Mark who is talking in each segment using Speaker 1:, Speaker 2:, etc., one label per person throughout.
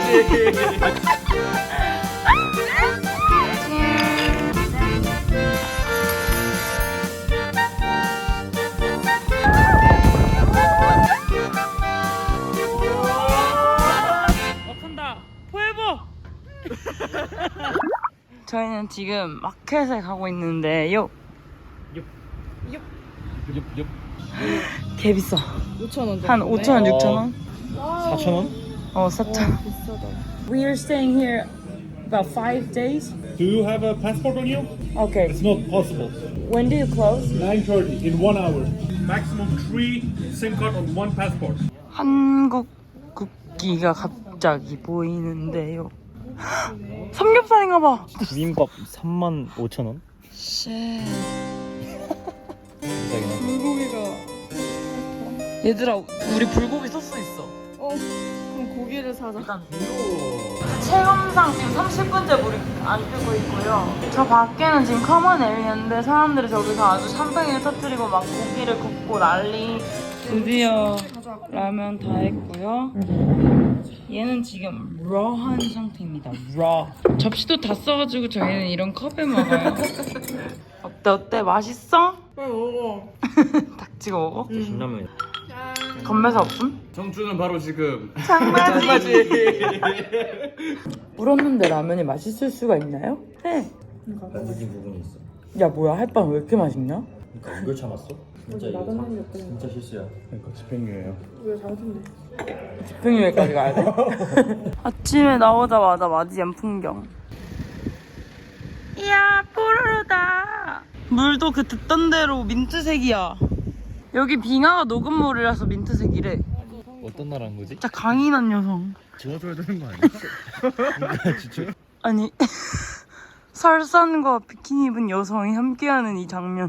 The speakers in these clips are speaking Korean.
Speaker 1: 와칸다 포에버. 저희는 지금 마켓에 가고 있는데요. 개 비싸.
Speaker 2: 5,000원.
Speaker 1: 한 5,000원, 6,000원?
Speaker 3: 4,000원?
Speaker 1: 4,000원.
Speaker 2: 비싸다.
Speaker 1: We are staying here about 5 days.
Speaker 3: Do you have a passport on you?
Speaker 1: Okay.
Speaker 3: It's not possible.
Speaker 1: When do you close?
Speaker 3: 9:30 in 1 hour. Maximum 3 SIM card on 1 passport.
Speaker 1: 한국 국기가 갑자기 보이는데요. 삼겹살인가 봐.
Speaker 4: 비빔밥 35,000원?
Speaker 1: 쉣.
Speaker 4: 비싸긴 하죠.
Speaker 2: 불고기가.
Speaker 1: 얘들아, 우리 불고기 소스 있어.
Speaker 2: 그럼 고기를 사자.
Speaker 1: 체험상 지금 30분째 물이 안 뜨고 있고요. 저 밖에는 지금 커먼 에리어인데 사람들이 저기서 아주 샴페인을 터뜨리고 막 고기를 굽고 난리. 드디어 라면 다 했고요. 얘는 지금 러한 상태입니다. 러. 접시도 다 써가지고 저희는 이런 컵에 먹어요. 어때? 맛있어?
Speaker 2: 빨리 먹어.
Speaker 1: 닥치고 먹어?
Speaker 4: 신라면.
Speaker 1: 건매사 없음?
Speaker 3: 정주는 바로 지금
Speaker 1: 장마지. 물었는데 라면이 맛있을 수가 있나요? 네.
Speaker 4: 만들진 부분이 있어.
Speaker 1: 야 뭐야 햇반 왜 이렇게 맛있냐?
Speaker 4: 그러니까 이걸 참았어? 진짜 이거 진짜 실수야.
Speaker 3: 그러니까 집행유예요.
Speaker 2: 왜 잘못했네.
Speaker 1: 집행유예까지 가야 돼? 아침에 나오자마자 맞이한 풍경. 이야 뽀로로다. 물도 그 듣던 대로 민트색이야. 여기 빙하가 녹은 물이라서 민트색이래.
Speaker 4: 어떤 나라인 거지?
Speaker 1: 진짜 강인한 여성.
Speaker 3: 도와줘야 되는 거 아니야?
Speaker 4: 진짜?
Speaker 1: 아니 설산과 비키니 입은 여성이 함께하는 이 장면.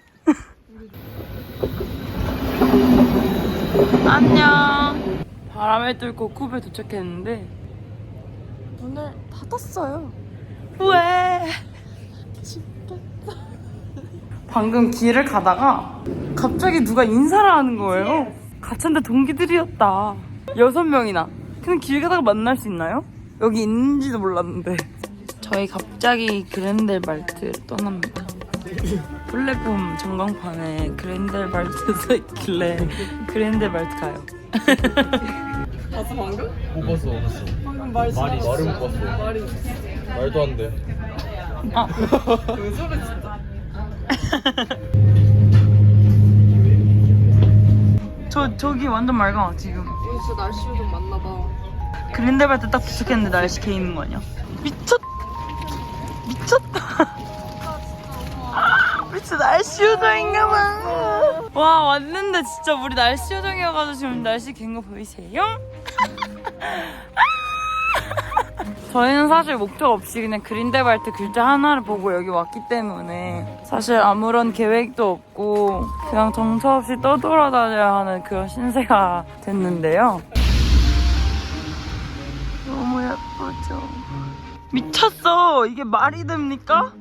Speaker 1: 안녕. 바람을 뚫고 쿱에 도착했는데
Speaker 2: 오늘 닫았어요.
Speaker 1: 왜? 방금 길을 가다가 갑자기 누가 인사를 하는 거예요. 가천대 동기들이었다. 6명이나. 그냥 길 가다가 만날 수 있나요? 여기 있는지도 몰랐는데. 저희 갑자기 그랜델발트를 떠납니다. 플랫폼 전광판에 그랜델발트 써있길래 그랜델발트 가요.
Speaker 2: 봤어 방금?
Speaker 3: 못 봤어.
Speaker 2: 방금 말이
Speaker 3: 말을 못 봤어.
Speaker 2: 말이.
Speaker 3: 말도 안 돼.
Speaker 1: 아.
Speaker 2: 왜 저래 진짜.
Speaker 1: 저기 완전 맑아 지금.
Speaker 2: 오늘 진짜 날씨 좀 맞나 봐.
Speaker 1: 그랜델발트 딱 도착했는데 날씨 개 있는 거 아니야? 미쳤다. 미쳐 날씨 요정인가 봐. 와 왔는데 진짜 우리 날씨 요정이어가지고 지금 날씨 갠 거 보이세요? 저희는 사실 목적 없이 그냥 그린델발트 글자 하나를 보고 여기 왔기 때문에 사실 아무런 계획도 없고 그냥 정처 없이 떠돌아다녀야 하는 그런 신세가 됐는데요. 너무 예쁘죠? 미쳤어! 이게 말이 됩니까?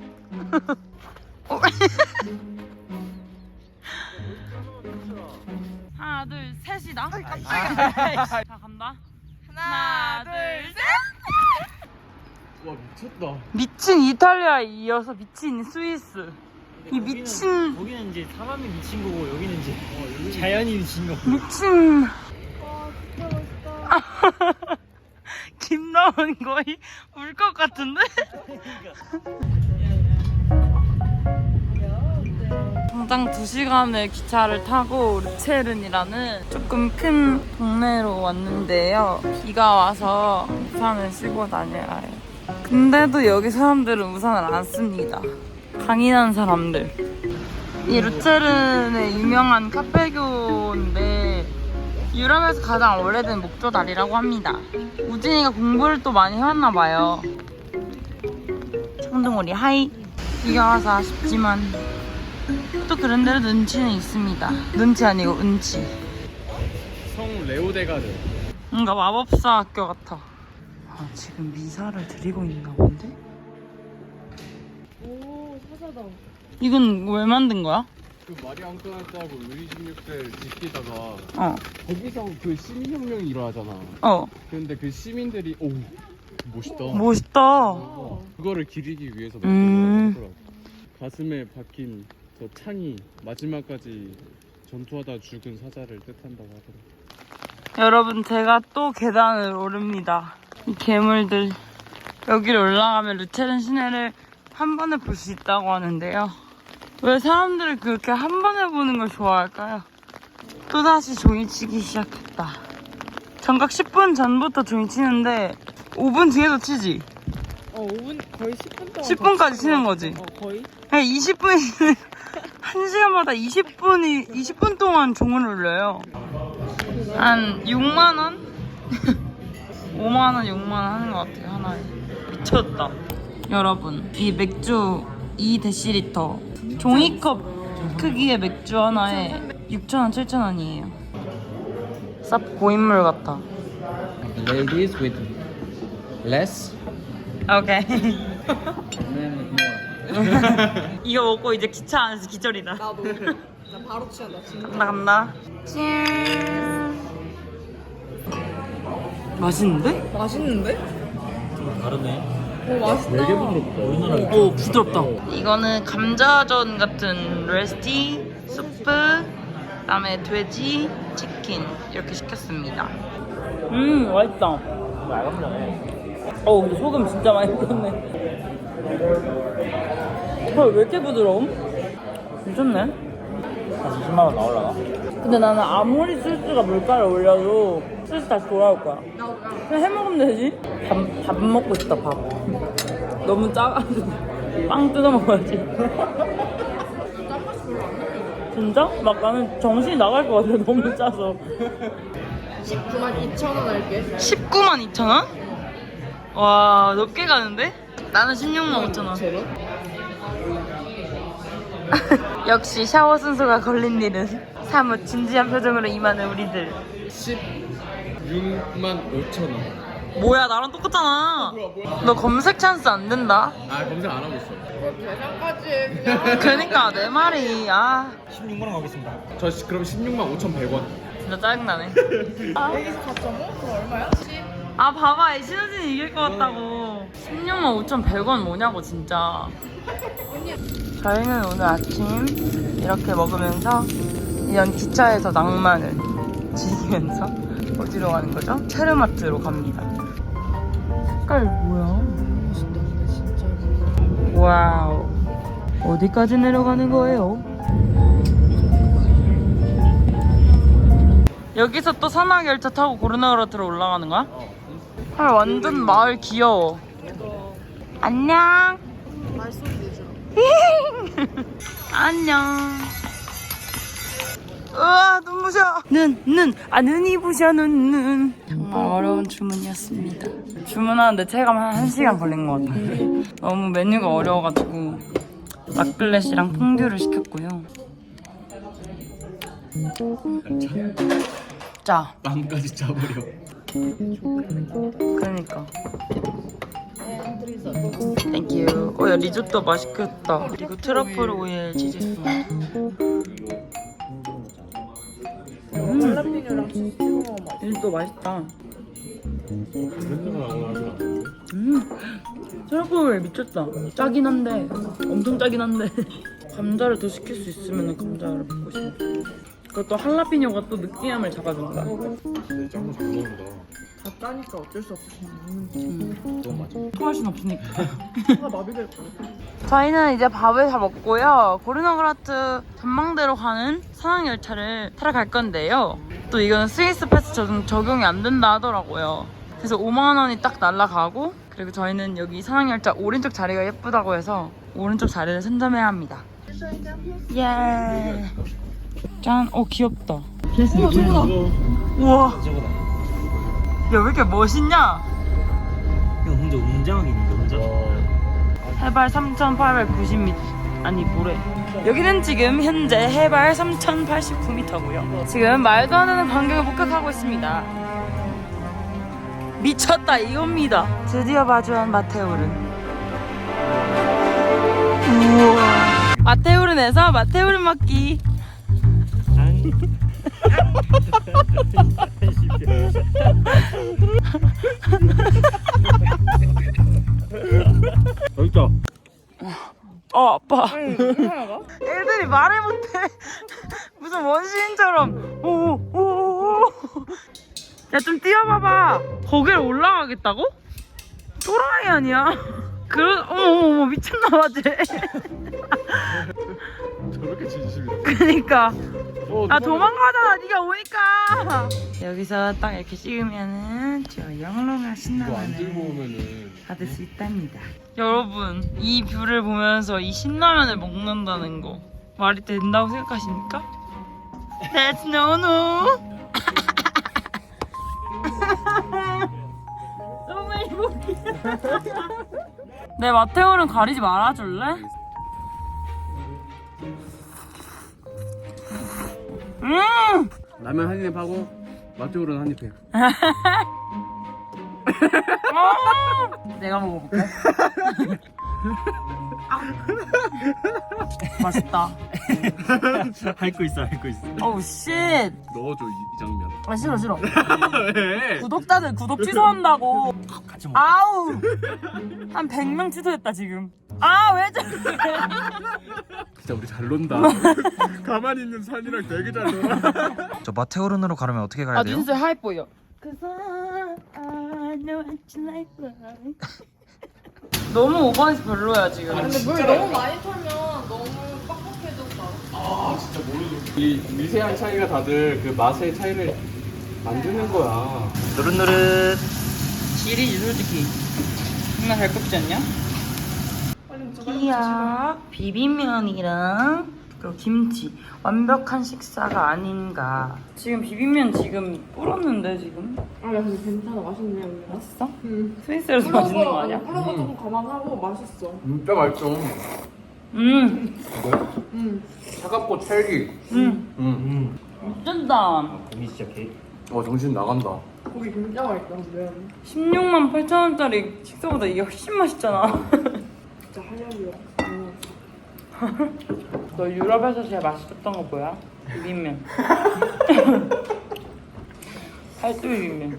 Speaker 1: 하나 둘 셋이다. 깜짝이야. 자 간다. 하나 둘 셋.
Speaker 3: 와 미쳤다.
Speaker 1: 미친 이탈리아에 이어서 미친 스위스. 이 미친
Speaker 4: 거기는 이제 사람이 미친 거고 여기는 이제 자연이 미친 거고.
Speaker 1: 미친. 김나은 거의 울 것 같은데? 당장 2시간의 기차를 타고 르체른이라는 조금 큰 동네로 왔는데요. 비가 와서 우산을 쓰고 다녀야 해요. 근데도 여기 사람들은 우산을 안 씁니다. 강인한 사람들. 이 르체른의 유명한 카페교인데 유럽에서 가장 오래된 목조다리라고 합니다. 우진이가 공부를 또 많이 해왔나 봐요. 청둥오리 하이. 비가 와서 아쉽지만 또 그런대로 눈치는 있습니다. 눈치 아니고 운치.
Speaker 3: 성 레오데가르.
Speaker 1: 뭔가 마법사 학교 같아. 아, 지금 미사를 드리고 있나 본데?
Speaker 2: 오 사자다.
Speaker 1: 이건 왜 만든 거야?
Speaker 5: 그 마리 앙뚜아네트하고 루이 16세 지키다가
Speaker 1: 어.
Speaker 5: 거기서 그 시민혁명이 일어나잖아.
Speaker 1: 어.
Speaker 5: 근데 그 시민들이 오 멋있다.
Speaker 1: 멋있다.
Speaker 5: 그거를 기리기 위해서
Speaker 1: 음.
Speaker 5: 만든 거라고. 가슴에 박힌 저 창이 마지막까지 전투하다 죽은 사자를 뜻한다고 하더라고.
Speaker 1: 여러분, 제가 또 계단을 오릅니다. 이 괴물들. 여기를 올라가면 루체른 시내를 한 번에 볼 수 있다고 하는데요. 왜 사람들이 그렇게 한 번에 보는 걸 좋아할까요? 또다시 종이치기 시작했다. 정각 10분 전부터 종이 치는데 5분 뒤에도 치지?
Speaker 2: 5분 거의 10분 동안
Speaker 1: 10분까지 치는 거지?
Speaker 2: 거의?
Speaker 1: 그냥 20분이 1시간마다 20분 동안 종을 울려요. 한 6만원? 5만원, 6만원 하는 것 같아요, 하나에. 미쳤다. 여러분, 이 맥주 2dl 종이컵 크기의 맥주 하나에 6,000원, 7,000원이에요. 쌉 고인물 같아.
Speaker 6: Ladies with less,
Speaker 1: 오케이.
Speaker 6: men with more.
Speaker 1: 이거 먹고 이제 기차 안에서 기절이다.
Speaker 2: 나도. 나 바로 취한다 진짜.
Speaker 1: 간다. 짠. 맛있는데?
Speaker 2: 맛있는데?
Speaker 4: 다르네.
Speaker 2: 오 맛있다.
Speaker 4: 우리나라
Speaker 1: 오, 부드럽다. 이거는 감자전 같은 레시피, 수프, 그다음에 돼지, 치킨 이렇게 시켰습니다. 맛있다.
Speaker 4: 말감자네.
Speaker 1: 근데 소금 진짜 많이 뿌렸네. 왜 이렇게 부드러움? 괜찮네.
Speaker 4: 한 20만 원 나올라나?
Speaker 1: 근데 나는 아무리 소스가 물가를 올려도 소스 다시 돌아올 거야. 그냥 해먹으면 되지. 밥 먹고 싶다, 밥. 너무 짜가지고 빵 뜯어 먹어야지. 진짜? 막 나는 정신이 나갈 것 같아, 너무 짜서.
Speaker 2: 92,000원 할게.
Speaker 1: 192,000원? 와, 높게 가는데? 나는 165,000원.
Speaker 2: 제로?
Speaker 1: 역시 샤워 순서가 걸린 일은 사뭇 진지한 표정으로 임하는 우리들.
Speaker 5: 16만 5천 원.
Speaker 1: 뭐야, 나랑 똑같잖아. 너 검색 찬스 안 된다.
Speaker 5: 아 검색 안 하고 있어.
Speaker 2: 계산까지 해 그냥.
Speaker 1: 그러니까 내 말이
Speaker 4: 16만 원 가겠습니다.
Speaker 5: 저 그럼 16만 5,100원.
Speaker 1: 진짜 짜증나네.
Speaker 2: 여기서 4.5? 그럼 얼마야? 10?
Speaker 1: 봐봐, 이 신우진이 이길 것 같다고. 165,100원 뭐냐고 진짜. 저희는 오늘 아침 이렇게 먹으면서 이런 기차에서 낭만을 즐기면서 어디로 가는 거죠? 체르마트로 갑니다. 색깔 뭐야? 와우. 어디까지 내려가는 거예요? 여기서 또 산악열차 타고 고르나우라트로 올라가는 거야? 헐, 완전 마을 귀여워. 안녕.
Speaker 2: 말소리 내줘.
Speaker 1: 안녕. 우와, 눈부셔. 눈이 부셔, 눈. 정말 어려운 주문이었습니다. 주문하는데 체감 한 1시간 걸린 것 같아요. 너무 메뉴가 어려워가지고 라클렛이랑 퐁듀를 시켰고요. 짜.
Speaker 5: 빵까지 짜버려.
Speaker 1: 그러니까. 땡큐. 야, 리조또 맛있겠다. 그리고 트러플 오일 치즈 스프.
Speaker 2: 할라피뇨랑 치즈 찍어 먹으면 맛있어.
Speaker 1: 리조또 맛있다. 트러플 오일 미쳤다. 짜긴 한데, 엄청 짜긴 한데. 감자를 더 시킬 수 있으면 감자를 먹고 싶어. 그것도 할라피뇨가 또 느끼함을 잡아준다.
Speaker 5: 내 짱구 잘 먹는다.
Speaker 2: 다 짜니까 어쩔 수 없어.
Speaker 1: 토할 순 없으니까.
Speaker 2: 마비될 거야.
Speaker 1: 저희는 이제 밥을 다 먹고요. 고르나그라트 전망대로 가는 산악열차를 타러 갈 건데요. 또 이거는 스위스 패스 적용이 안 된다 하더라고요. 그래서 5만 원이 딱 날라가고, 그리고 저희는 여기 산악열차 오른쪽 자리가 예쁘다고 해서 오른쪽 자리를 선점해야 합니다. 예. 짠. 귀엽다.
Speaker 2: 우와 저거다.
Speaker 1: 우와.
Speaker 4: 저거다.
Speaker 1: 야, 왜 이렇게 멋있냐?
Speaker 4: 이거 혼자 웅장하게 있는데, 혼자?
Speaker 1: 해발 3,890m. 아니, 뭐래. 여기는 지금 현재 해발 3,089m고요. 지금 말도 안 되는 광경을 목격하고 있습니다. 미쳤다 이겁니다. 드디어 마주한 마테오른. 우와. 마테오른에서 마테오른 먹기.
Speaker 5: 맛있다.
Speaker 1: 아빠. 애들이 말을 못해. 무슨 원시인처럼. 오오오. 야, 좀 뛰어봐봐. 거길 올라가겠다고? 또라이 아니야? 어머 미쳤나봐 쟤.
Speaker 5: 저렇게 진심이다.
Speaker 1: 그니까. 아
Speaker 5: 누가-
Speaker 1: 도망가잖아 네가 오니까. 여기서 딱 이렇게 찍으면은 저 영롱한
Speaker 5: 이거 안
Speaker 1: 신라면을
Speaker 5: 들고 오면은
Speaker 1: 받을 수 있답니다. 여러분 이 뷰를 보면서 이 신라면을 먹는다는 거 말이 된다고 생각하십니까? That's no no. 너무 행복해. 내 마테오는 가리지 말아줄래?
Speaker 5: 라면 한 입 하고 맛쪽으로는 한 입 해.
Speaker 1: 내가 먹어볼게. 맛있다.
Speaker 4: 핥고 있어.
Speaker 1: 어우 쉣.
Speaker 5: 넣어줘 이 장면.
Speaker 1: 아 싫어.
Speaker 5: 왜?
Speaker 1: 구독자들 구독 취소한다고.
Speaker 4: 같이 먹어.
Speaker 1: 아우. 한 100명 취소했다 지금. 아 왜 저래?
Speaker 5: 진짜 우리 잘 논다. 가만히 있는 산이랑 되게 잘 놀아.
Speaker 7: 저 마테오른으로 가려면 어떻게 가야
Speaker 1: 아
Speaker 7: 돼요?
Speaker 1: 눈썹 하얘 보여. Cause I know what you like. 너무 오버해서 별로야 지금.
Speaker 2: 근데 물 너무 많이 털면 너무 빡빡해졌다.
Speaker 5: 아 진짜 모르겠어. 이 미세한 차이가 다들 그 맛의 차이를 만드는 거야.
Speaker 7: 노릇노릇.
Speaker 1: 질이지 솔직히. 정말 잘 굽지 않냐? 이야 비빔면이랑 그리고 김치 완벽한 식사가 아닌가. 지금 비빔면 지금 불었는데 지금.
Speaker 2: 아, 야, 근데 괜찮아. 맛있네, 오늘.
Speaker 1: 맛있어? 스위스에서 맛있는 거 아니야?
Speaker 2: 불어가 조금 감안하고 맛있어.
Speaker 5: 진짜 맛있어. 차갑고 찰기.
Speaker 1: 미쳤다.
Speaker 4: 고기 진짜 개.
Speaker 5: 정신 나간다.
Speaker 2: 고기 진짜 맛있다, 근데.
Speaker 1: 16만 8천원짜리 식사보다 이게 훨씬 맛있잖아.
Speaker 2: 진짜 하려고요.
Speaker 1: 너 유럽에서 제일 맛있었던 거 뭐야? 비빔면. 팔도 비빔면.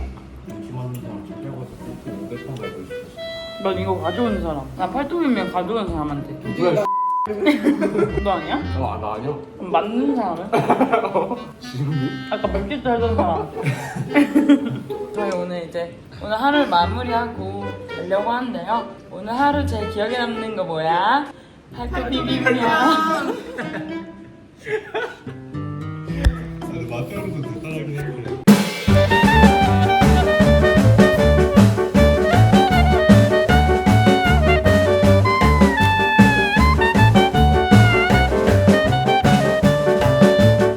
Speaker 1: 넌 이거 가져온 사람. 나 팔도 비빔면 가져온 사람한테.
Speaker 5: 뭐야?
Speaker 1: 너 아니야?
Speaker 5: 나 아니야.
Speaker 1: 그럼 맞는 사람은?
Speaker 5: 지금이?
Speaker 1: 아까 맥주 살던 사람. 저희 오늘 하루를 마무리하고 가려고 하는데요. 오늘 하루 제 기억에 남는 거 뭐야? 팔도 비빔면.
Speaker 3: 마테오르도 대단하긴 했는데.